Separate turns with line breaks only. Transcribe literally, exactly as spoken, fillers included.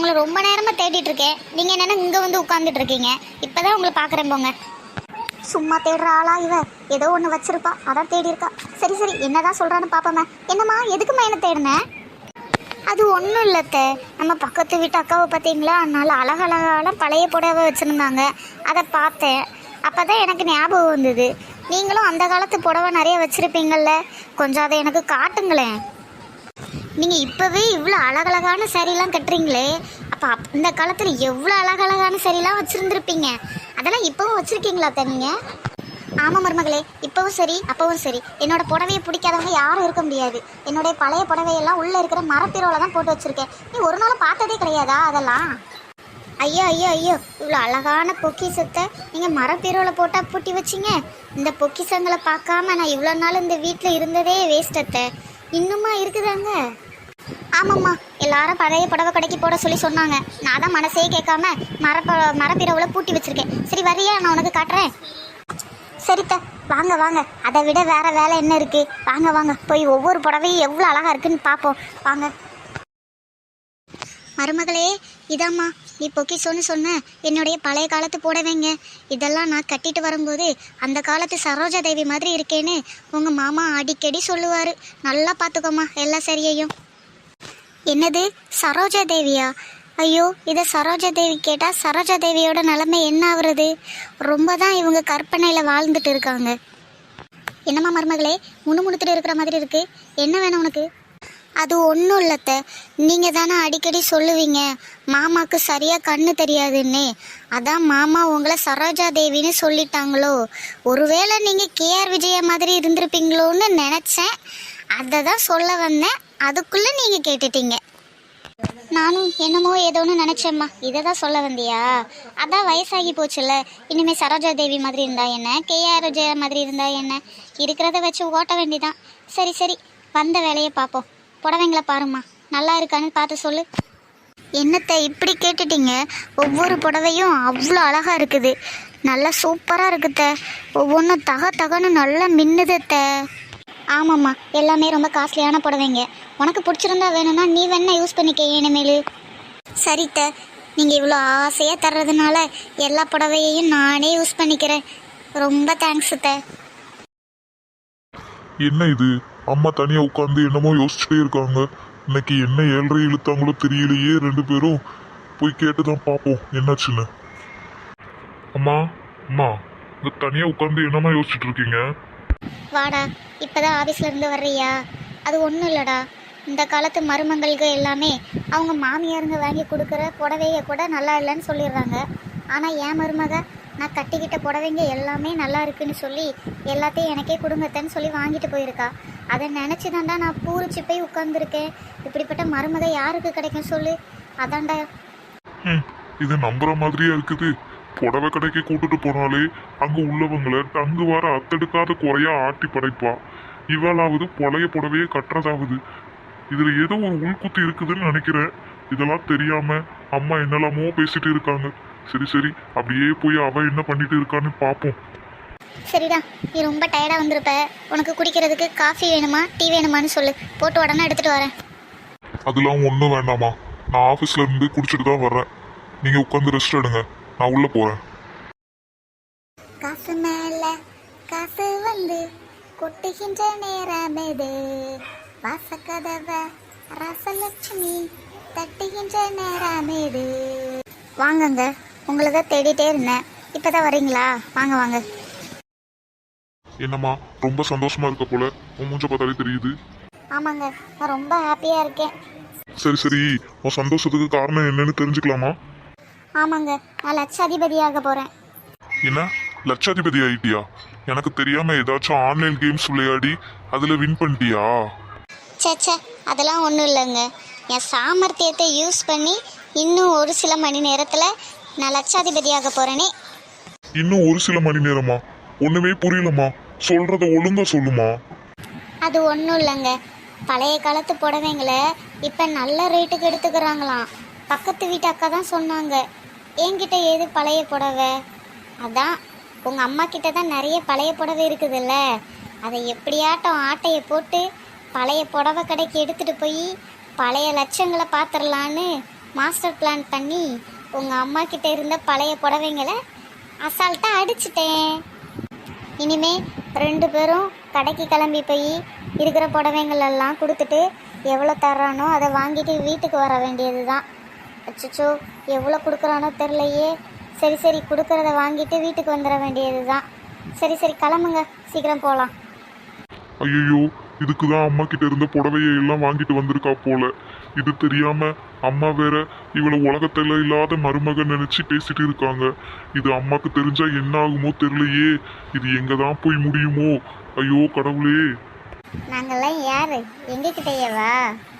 உங்களை ரொம்ப நேரமாக தேடிட்டு இருக்கேன். நீங்கள் என்னென்ன இங்கே வந்து உட்காந்துட்டு இருக்கீங்க? இப்போ தான் உங்களை பார்க்குறேன் போங்க. சும்மா தேடுற ஆளா இவ? ஏதோ ஒன்று வச்சிருப்பா, அதான் தேடி இருக்கா. சரி சரி, என்னதான் சொல்கிறான்னு பார்ப்போமே. என்னம்மா, எதுக்குமா என்ன தேடினேன்? அது ஒன்றும் இல்லத்த, நம்ம பக்கத்து வீட்டு அக்காவை பார்த்தீங்களா, அதனால அழகழகான பழைய புடவை வச்சுருந்தாங்க. அதை பார்த்தேன். அப்போ தான் எனக்கு ஞாபகம் வந்தது, நீங்களும் அந்த காலத்து புடவை நிறைய வச்சுருப்பீங்கள்ல, கொஞ்சம் அதை எனக்கு காட்டுங்களேன். நீங்கள் இப்போவே இவ்வளோ அழகழகான சாரீலாம் கட்டுறீங்களே, அப்போ அப் இந்த காலத்தில் எவ்வளோ அழகழகான சாரீலாம் வச்சுருந்துருப்பீங்க. அதெல்லாம் இப்போவும் வச்சுருக்கீங்களா அத்தை நீங்கள்? ஆமாம் மருமகளே, இப்போவும் சரி அப்போவும் சரி, என்னோடய புடவையை பிடிக்காதவங்க யாரும் இருக்க முடியாது. என்னுடைய பழைய புடவையெல்லாம் உள்ளே இருக்கிற மரப்பீரோவில் தான் போட்டு வச்சுருக்கேன். நீ ஒரு நாளும் பார்த்ததே கிடையாதா அதெல்லாம்? ஐயோ ஐயோ ஐயோ, இவ்வளோ அழகான பொக்கிஷத்தை நீங்கள் மரப்பீரோவில் போட்டால் பூட்டி வச்சிங்க. இந்த பொக்கிஷங்களை பார்க்காம நான் இவ்வளோ நாள் இந்த வீட்டில் இருந்ததே வேஸ்டத்தை. இன்னுமா இருக்குதாங்க? ஆமாம்மா, எல்லாரும் பழைய புடவை கடைக்கு போட சொல்லி சொன்னாங்க. நான் தான் மனசே கேட்காம மரப்ப மரப்பீரோவில் பூட்டி வச்சுருக்கேன். சரி வரியா, நான் உனக்கு காட்டுறேன். சரித்த, வாங்க வாங்க, அதை விட வேற வேலை என்ன இருக்கு? வாங்க வாங்க, போய் ஒவ்வொரு புடவையும் எவ்வளோ அழகா இருக்குன்னு பார்ப்போம் வாங்க. மருமகளே, இதாம்மா நீ பொக்கிஷோன்னு சொன்ன என்னுடைய பழைய காலத்து புடவைங்க. இதெல்லாம் நான் கட்டிட்டு வரும்போது அந்த காலத்து சரோஜா தேவி மாதிரி இருக்கேன்னு உங்கள் மாமா அடிக்கடி சொல்லுவார். நல்லா பார்த்துக்கோமா எல்லா சரியையும். என்னது சரோஜா தேவியா? ஐயோ, இதை சரோஜா தேவி கேட்டால் சரோஜா தேவியோட நிலைமை என்ன ஆகுறது? ரொம்ப தான் இவங்க கற்பனையில் வாழ்ந்துட்டு இருக்காங்க. என்னம்மா மருமகளே, முணுமுணுத்துட்டு இருக்கிற மாதிரி இருக்கு, என்ன வேணும் உனக்கு? அது ஒன்றும் இல்லத்த, நீங்கள் தானே அடிக்கடி சொல்லுவீங்க மாமாவுக்கு சரியாக கண்ணு தெரியாதுன்னு. அதான் மாமா உங்களை சரோஜா தேவின்னு சொல்லிட்டாங்களோ, ஒருவேளை நீங்கள் கேஆர் விஜயா மாதிரி இருந்திருப்பீங்களோன்னு நினச்சேன். அதை தான் சொல்ல வந்தேன், அதுக்குள்ளே நீங்கள் கேட்டுட்டீங்க. நானும் என்னமோ ஏதோன்னு நினச்சேம்மா, இதை தான் சொல்ல வந்தியா? அதான் வயசாகி போச்சுல்ல, இனிமேல் சரோஜா தேவி மாதிரி இருந்தா என்ன, கேஆர் விஜயா மாதிரி இருந்தா என்ன, இருக்கிறத வச்சு ஓட்ட வேண்டிதான். சரி சரி, வந்த வேலையை பார்ப்போம். புடவைங்கள பாருமா, நல்லா இருக்கான்னு பார்த்து சொல்லு. என்னத்தை இப்படி கேட்டுட்டீங்க? ஒவ்வொரு புடவையும் அவ்வளோ அழகாக இருக்குது, நல்லா சூப்பராக இருக்குத்த. ஒவ்வொன்றும் தக தகன்னு நல்லா மின்னுதத்த. ஆமாம்மா, எல்லாமே ரொம்ப காஸ்ட்லியான புடவைங்க. உனக்கு பிடிச்சிருந்தா வேணும்னா நீ வேணா யூஸ் பண்ணிக்க இனிமேல். சரித்த, நீங்கள் இவ்வளோ ஆசையாக தர்றதுனால எல்லா புடவையையும் நானே யூஸ் பண்ணிக்கிறேன். ரொம்ப தேங்க்ஸ் த.
என்ன இது, அம்மா தனியாக உட்காந்து என்னமோ யோசிச்சுட்டே இருக்காங்க. இன்னைக்கு என்ன ஏழரை இழுத்தாங்களோ தெரியலையே. ரெண்டு பேரும் போய் கேட்டு தான் பார்ப்போம் என்னாச்சுன்னு. அம்மா அம்மா, இங்கே தனியாக உட்காந்து என்னம்மா யோசிச்சுட்டு இருக்கீங்க?
வாடா, இப்போதான் ஆஃபீஸில் இருந்து வர்றியா? அது ஒன்றும் இல்லைடா, இந்த காலத்து மருமங்களுக்கு எல்லாமே அவங்க மாமியாருங்க வாங்கி கொடுக்குற புடவைய கூட நல்லா இல்லைன்னு சொல்லிடுறாங்க. ஆனால் என் மருமக நான் கட்டிக்கிட்ட புடவைங்க எல்லாமே நல்லா இருக்குன்னு சொல்லி எல்லாத்தையும் எனக்கே கொடுங்கத்தன்னு சொல்லி வாங்கிட்டு போயிருக்கா. அதை நினச்சி தாண்டா நான் பூரிச்சு போய் உட்காந்துருக்கேன். இப்படிப்பட்ட மருமக யாருக்கு கிடைக்கும் சொல்லு? அதாண்டா.
ம், இது நம்புற மாதிரியா இருக்குது. புடவை கடைக்கு கூட்டுட்டு போனாலே அங்க உள்ளவங்களை தங்கு வார அத்தெடுக்காத குறையா ஆட்டி படைப்பா. இவளாவது பழைய புடவையே கட்டுறதாவது. இதுல ஏதோ ஒரு உள்குத்து இருக்குதுன்னு நினைக்கிறேன். இதெல்லாம் தெரியாம அம்மா என்னெல்லாமோ பேசிட்டு இருக்காங்க. சரி சரி, அப்படியே போய் அவ என்ன பண்ணிட்டு இருக்கான்னு பாப்போம்.
சரிடா, நீ ரொம்ப டயர்டாக வந்திருப்ப. உனக்கு குடிக்கிறதுக்கு காஃபி வேணுமா டீ வேணுமான்னு சொல்லு, போட்டு உடனே எடுத்துகிட்டு வரேன்.
அதெல்லாம் ஒன்றும் வேண்டாமா, நான் ஆஃபீஸ்ல இருந்து குடிச்சிட்டு தான் வர்றேன். நீங்க உட்காந்து ரெஸ்ட் எடுங்க, நான் உள்ள போறேன்.
காசு மேல காசு வந்து கொட்டுகின்ற நேரம் இது, வாசக்கதவ ரசலட்சுமி தட்டுகின்ற நேரம் இது. வாங்கங்க, உங்களை தான் தேடிட்டே இருந்தேன். இப்போதான் வரீங்களா? வாங்க வாங்க.
என்னம்மா, ரொம்ப சந்தோஷமா இருக்க போல, உன் மூஞ்ச பார்த்தாலே தெரியுது.
ஆமாங்க, நான் ரொம்ப ஹாப்பியாக இருக்கேன்.
சரி சரி, உன் சந்தோஷத்துக்கு காரணம் என்னன்னு தெரிஞ்சுக்கலாமா?
ஆமாங்க, நான் லட்சாதிபதியாக போகிறேன்.
என்ன, லட்சாதிபதி ஆயிட்டியா? எனக்கு தெரியாம ஏதாச்சும் ஆன்லைன் கேம்ஸ் விளையாடி அதுல வின் பண்ணிட்டியா?
சேச்சே, அதெல்லாம் ஒன்றும் இல்லைங்க. என் சாமர்த்தியத்தை யூஸ் பண்ணி இன்னும் ஒரு சில மணி நேரத்தில் நான் லட்சாதிபதியாக போகிறேனே.
இன்னும் ஒரு சில மணி நேரமா? ஒண்ணுமே புரியலம்மா, சொல்றத ஒழுங்கா சொல்லுமா.
அது ஒன்றும் இல்லைங்க, பழைய காலத்து புடவைங்களை இப்போ நல்ல ரேட்டுக்கு எடுத்துக்கிறாங்களாம். பக்கத்து வீட்டு அக்கா தான் சொன்னாங்க. என்கிட்ட ஏது பழைய புடவை? அதான் உங்கள் அம்மா கிட்ட தான் நிறைய பழைய புடவை இருக்குதுல்ல, அதை எப்படியாட்டம் ஆட்டையை போட்டு பழைய புடவை கடைக்கு எடுத்துகிட்டு போய் பழைய லட்சங்களை பார்த்துடலான்னு மாஸ்டர் பிளான் பண்ணி உங்கள் அம்மா கிட்ட இருந்த பழைய புடவைங்களை அசால்ட்டாக அடிச்சிட்டேன். இனிமே ரெண்டு பேரும் கடைக்கு கிளம்பி போய் இருக்கிற புடவைங்கள் எல்லாம் கொடுத்துட்டு எவ்வளோ தர்றானோ அதை வாங்கிட்டு வீட்டுக்கு வர வேண்டியது தான். அச்சோ, எவ்வளோ கொடுக்குறானோ தெரிலையே. சரி சரி, கொடுக்குறத வாங்கிட்டு வீட்டுக்கு வந்துட வேண்டியது தான். சரி சரி, கிளம்புங்க, சீக்கிரம் போகலாம்.
ஐயோ, இதுக்குதான் அம்மா கிட்ட இருந்த புடவையை எல்லாம் வாங்கிட்டு வந்திருக்கா போல. இது தெரியாம அம்மா வேற இவளை உலகத்துல இல்லாத மருமகன் நினைச்சு பேசிட்டு இருக்காங்க. இது அம்மாக்கு தெரிஞ்சா என்ன ஆகுமோ தெரியலையே. இது எங்க தான் போய் முடியுமோ? ஐயோ கடவுளே.
நாங்கெல்லாம் யாரு? எங்ககிட்டயேவா?